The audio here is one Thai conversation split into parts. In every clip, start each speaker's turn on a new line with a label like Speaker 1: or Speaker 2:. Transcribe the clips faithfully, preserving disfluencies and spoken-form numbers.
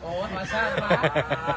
Speaker 1: โอ้ธรรมชาติมาก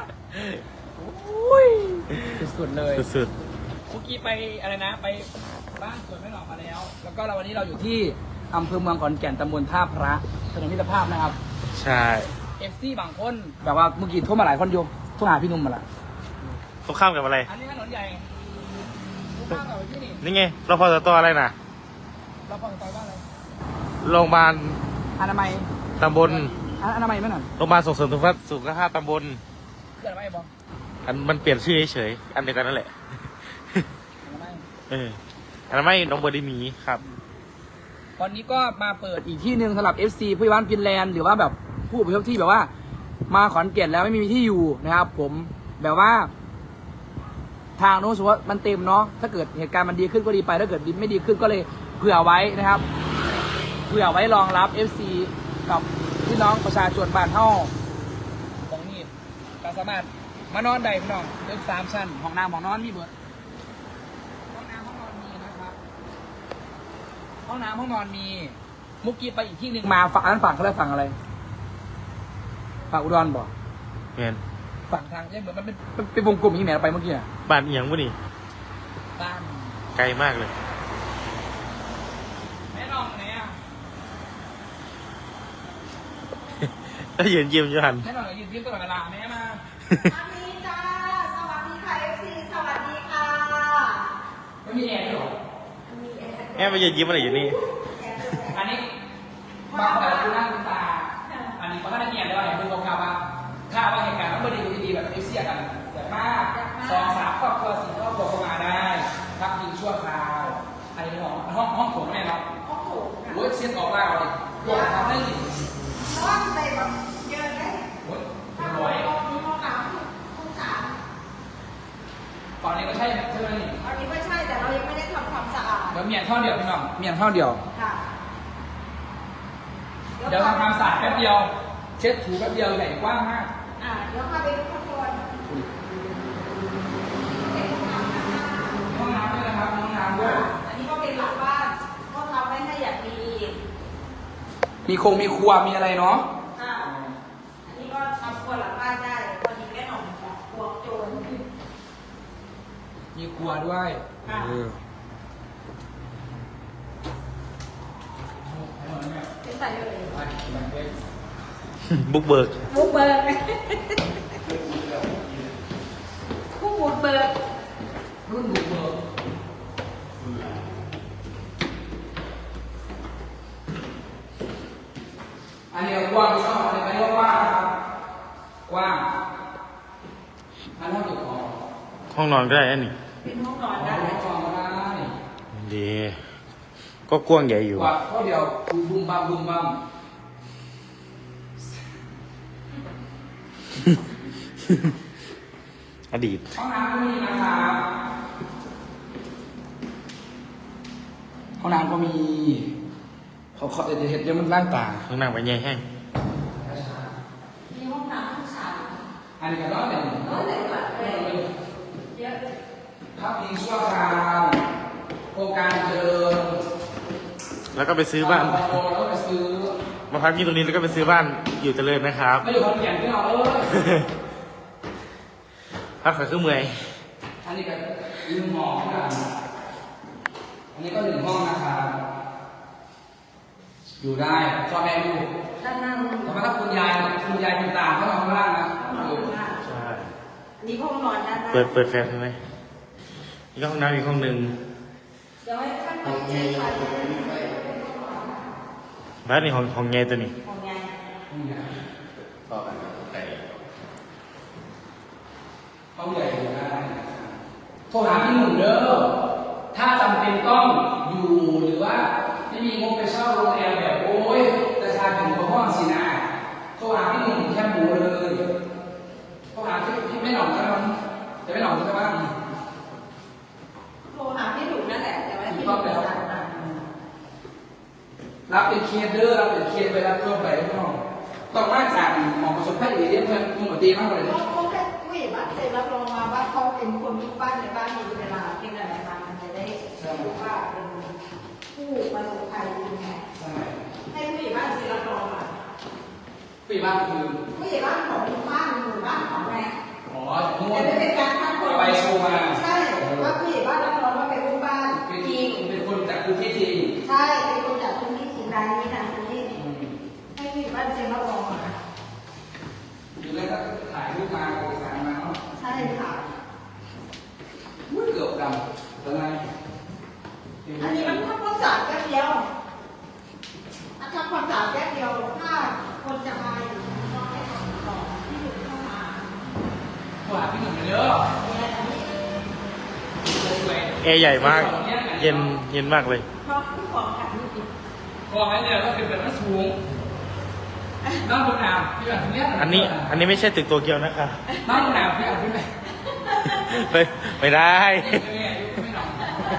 Speaker 1: อุ้ยสุดๆเลย
Speaker 2: สุด
Speaker 1: เมื่อกี้ไปอะไรนะไปบ้านสวนแม่หนองมาแล้ว แล้วก็เราวันนี้เราอยู่ที่อำเภอเมืองขอนแก่นตำบลท่าพระถนนมิตรภาพนะครับ
Speaker 2: ใช่
Speaker 1: เอฟซีบางคนแบบว่าเมื่อกี้โทรมาหลายคนอยู่โทรหาพี่นุ่มมาละ
Speaker 2: ต้องข้ามกับอะไร
Speaker 1: อันนี้ถนนใหญ่ข้ามกับที่นี่
Speaker 2: นี่ไงเราพอจะตัวอะไรนะ
Speaker 1: เราพอจะต่อบ้านอะไร
Speaker 2: โรงพยาบาล
Speaker 1: อนามัย
Speaker 2: ตำบล
Speaker 1: อนามัยไหมหน่อย
Speaker 2: โรงพยาบาลส่งเสริมสุขภาพตำบล
Speaker 1: เกิดอะไรบ้าง
Speaker 2: อันมันเปลี่ยนชื่อเฉยๆอันเดียวกันนั่นแหละเอออันนั้นไม่น้องเบอร์ดีมีครับ
Speaker 1: ตอนนี้ก็มาเปิดอีกที่หนึ่งสำหรับ เอฟ ซี ผู้ใหญ่บ้านฟินแลนด์หรือว่าแบบผู้อพยพที่แบบว่ามาขอนแก่นแล้วไม่มีที่อยู่นะครับผมแบบว่าทางโน้นสุว่ามันเต็มเนาะถ้าเกิดเหตุการณ์มันดีขึ้นก็ดีไปถ้าเกิดไม่ดีขึ้นก็เลยเผื่อไว้นะครับเผื่อไว้รองรับ เอฟ ซี กับพี่น้องประชาชนบ้านเฮาตรงนี้ก็สามารถมานอนได้พี่น้องตึกสามชั้นห้องน้ำห้องนอนมีเบิดห้องน้ำห้องนอนมีนะครับห้องน้ำห้องนอนมีมุกกี้ไปอีกที่หนึ่งมาฝั่งนั้นฝั่งเขาเรียกฝั่งอะไรฝั่งอุดรบ่
Speaker 2: เมียน
Speaker 1: ฝั่งทางเนี่ยเหมือนมันเป็นเป็นวงกลมอย่างนี้แหนไปเมื่อกี้อ่ะ
Speaker 2: บ้านเอียงวะนี่
Speaker 1: บ้าน
Speaker 2: ไกลมากเลย
Speaker 1: แม่น้องไหนอ่ะ
Speaker 2: ถ้ายืนยิ้มอยู่หัน
Speaker 1: แม่น้องยืนยิ้มตลอดเวลาแม่มา
Speaker 3: สวัสดีจ้าสวัสดีค่ะเอฟซีสวัสดีค่ะ
Speaker 1: ไม่มีแอร์หรอ
Speaker 2: แม่ไปยืนยิ้มอะไรอยู่นี่
Speaker 1: อันนี้บางคนดูหน้าดูตาอันนี้เขาก็ได้เงียบเลยว่าเห็นเป็นโลกาว่าถ้าว่าเหตุการณ์มันไม่ดีดีแบบเอเชียกันแบบมากสองสามครอบครัวสี่ครอบครัวเข้ามาได้พักพิงชั่วคราวอันนี้ห้องห้องห้องโถงแม่เนาะ
Speaker 3: ห้องโถง
Speaker 1: โอ้ยเชียนออกล่าเลยโดนทำได้ดิ
Speaker 3: ห้องไปแบบเยอะเลย
Speaker 1: โอ้ยรวย
Speaker 3: มีห้องน้ำห้องสาม
Speaker 1: ตอนนี้ก็ใช่ใช่ไหมนี่
Speaker 3: ตอนนี้ไม่ใช่แต่เรายังไม่ได้ทำความสะอาด
Speaker 1: เดี๋ยวเมียนท่อเดียวพี่น้องเมียนท่อเดียว
Speaker 3: ค่ะ
Speaker 1: เดี๋ยวทำความสะอาดแป๊บเดียวเช็ดถูแป๊บเดียวใหญ่กว้างมาก
Speaker 3: อ่าเดี๋ยวพาไปดูข้างบน
Speaker 1: ห้องน้ำด้วยนะครับห้องน้ำด้วย
Speaker 3: อันนี้ก็เป็นหลังบ้านก็ทำไว้ให้อย่างดี
Speaker 1: มีคงมีครัวมีอะไรเนาะ
Speaker 3: ค่ะอันนี้ก็ทำครัวหลังบ้านได้พอดีแม่หน่องครัวโจร
Speaker 1: มีครัวด้วย
Speaker 3: เป็นใส่เลย
Speaker 2: บุกเบิก
Speaker 3: บุกเบิกผู้บุกเบิก
Speaker 1: รุ่นบุกเบิกอันนี้กว้างชอบอันนี้ก็กว้างครับกว้างอันนี้ห้องเก็บของ
Speaker 2: ห้องนอนก็ได้อันนี้
Speaker 3: เป็นห้องนอนได้
Speaker 1: ห้องนอนก็ได้
Speaker 2: ดีก็กว้างใหญ่อยู่
Speaker 1: ว่าก็เดียวบุ้มบัมบุ้มบัม
Speaker 2: อดีต
Speaker 1: ห้องน้ำก็มีนะครับห้องน้ำก็มีเขาเขาจะเห็นเดี๋ยวมันร่างตา
Speaker 2: ห้องน้ำไปใหญ่แห้ง
Speaker 3: มีห้องน้ำห้องสาม
Speaker 1: อันนี้ก็ร้อยเลย
Speaker 3: ร้อยเลยแบบเลยเยอะ
Speaker 1: พักพิงชั่วคราวโครงการเจริญ
Speaker 2: แล้วก็ไปซื้อบ้าน
Speaker 1: แล้วก็ไปซื้อ
Speaker 2: มาพักที่ตรงนี้แล้วก็ไปซื้อบ้านอยู่เจริญนะครับ
Speaker 1: ไม่อยู่ขอนแก่นที่เราเลย
Speaker 2: พักขาขึ้นเมื่อย
Speaker 1: อันนี้ก็หนึ่งห้องกันอันนี้ก็หนึ่งห้องนะครับอยู่ได้พ่อแม่ลูก
Speaker 3: ด้านหน้า
Speaker 1: แต่ว่าถ้าคุณยายคุณยายคุณตาเขานอนข้างล่างนะ
Speaker 2: ใช่
Speaker 3: นี่ห้องนอนด้านหน้า
Speaker 2: เปิดเปิดแฟลชใช่ไหมนี่ก็ห้องน้ำอีกห้องหนึ่ง
Speaker 3: เดี๋ยวให้ท่านไปเช็คไฟ
Speaker 2: บ้านนี่ห้องห้องใหญ่ตัวนี้
Speaker 3: ห้องใหญ่
Speaker 1: ห้องใหญ่ห้องใหญ่อยู่ได้โทรหาพี่หนุ่มเด้อถ้าจำเป็นต้องอยู่หรือว่าไม่มีงบไปเช่าโรงแรมแบบโอ้ยราคาถึงกว่าห้องสินะโทรหาพี่หนุ่มแค่บูเลยโทรหาพี่พี่ไม่หน่องใช่ไหมจะไม่หน่องใช่ไหม
Speaker 3: โทรหาพี่หนุ่มนั่นแหละแต่ว่าพี่หนุ่มสั่งมา
Speaker 1: รับเป็นเคสเด้อรับเป็นเคสไปรับเพิ่มไปน้องต้องมาจากหมอประสบแพทย์เอเดียเพื่อนมึงหมดตีมากเลย
Speaker 3: เขาแค่ผู้ใหญ่บ้านเสร็จรับรองมาว่าเขาเป็นคนทุกบ้านในบ้านมีเวลาเป็นอะไรมามันจะได้รู้ว่าเป็นผู้ประสบภัยยังไงให้ผู้ใหญ่บ้านเสร็จรับรองมา
Speaker 1: ผู้ใหญ่บ้านคือ
Speaker 3: ผู้ใหญ่บ้านของหมู่บ้านหมู่บ้านของแม่
Speaker 1: อ๋อนู่น
Speaker 3: จะได้เป็นการคัดคน
Speaker 1: ไปโชว์มา
Speaker 3: ใช่ว่าผู้ใหญ่บ้านรับรองว่าเป็นลูกบ้าน
Speaker 1: เป็น
Speaker 3: จริง
Speaker 1: เป็นคนจากพื้นที่จริง
Speaker 3: ใช่เป็นคนจากพื้นที่จริงรายนี้นะคนนี้ให้ผู้ใหญ่บ้านเซ็นรับรองมา
Speaker 1: อยู่แล้วก็ถ่ายรูปมาเอกสารมาเนาะ
Speaker 3: ใช่ค่ะ
Speaker 1: อุ้ยเกือบดำเป็นไง
Speaker 3: อันนี้มันทำความสะอาดแค่เดียวอันทำความสะอาดแค่เดียวถ้าคนจะมาอยู่ต้องให้ทำต่อที่อยู่เข้ามา
Speaker 1: ตัวหาพี่หนุ่มเยอะ
Speaker 3: เนี่ยอันนี้
Speaker 1: สวย
Speaker 2: แอร์ใหญ่มาก เย็นเย็นมากเลย
Speaker 3: เพราะผู้ของขันนี่ติด
Speaker 1: กองไอ้เนี่ยก็คือเป็นมันสูงน้องบนน้ำพี่อ่านที่เนี้ย
Speaker 2: อันนี้อันนี้ไม่ใช่ตึกโตเกียวนะคะ
Speaker 1: น้องบนน้ำพี่อ่านที่ไหน
Speaker 2: ไม่ไม่ได้
Speaker 1: ไม่อายุไม่หนอง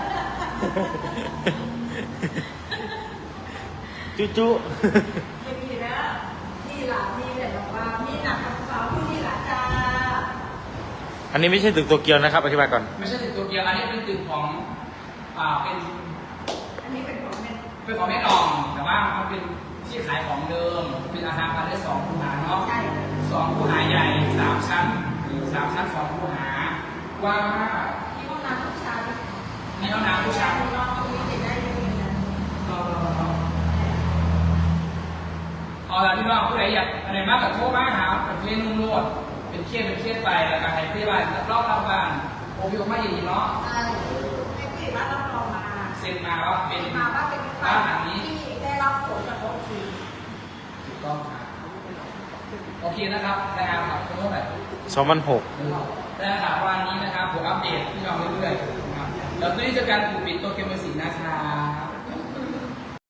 Speaker 2: จุจุ
Speaker 3: ไม่มีนะนี่หลานนี่เลยบอกว่านี่หนักกับสาวผู้นี่หลานจ้า
Speaker 2: อันนี้ไม่ใช่ตึกโตเกียวนะครับอธิบายก่อน
Speaker 1: ไม่ใช่ตึกตัวเกียวอันนี้เป็นตึกของอ่าเป็น
Speaker 3: อันนี้เป็นของแม่
Speaker 1: เป็นของแม่นองแต่ว่ามันเป็นที่ขายของเดิมเป็นอาคารพาณิชย์สองคูหาเนาะ
Speaker 3: ใช่
Speaker 1: สองคูหาใหญ่สามชั้นหรือสามชั้นสองคูหากว้างมาก
Speaker 3: ที่ห้องน้ำผู้ชาย
Speaker 1: มีห้องน้ำผู้ชาย
Speaker 3: น้องตรงนี้ติดได้ยังไงนะ
Speaker 1: เอาละพี่น้องผู้ใดอยากอะไรมากกับโทรมาหาเป็นเคสนุ่มนวดเป็นเคสเป็นเคสไปแล้วก็ให้พยาบาลรอบรอบบ้านโอพิโอมาอย่างนี้เนาะ
Speaker 3: ใช่ให้ผู้ใหญ่บ้านรับรองมา
Speaker 1: เซ็นมาว่าเป็น
Speaker 3: มาว่าเป็น
Speaker 1: บ้านหลังนี้
Speaker 3: ที่ได้รับผลกระทบคือ
Speaker 1: ถูกต้องครับโอเคนะครับนะครับครับเท่าไหร่
Speaker 2: สองพันหก
Speaker 1: ได้ครับวันนี้นะครับผมอัปเดตพี่น้องเรื่อยๆนะครับแล้วตอนนี้เจอกันกลุ่มปิดตัวเกมเมอร์สีนะครับ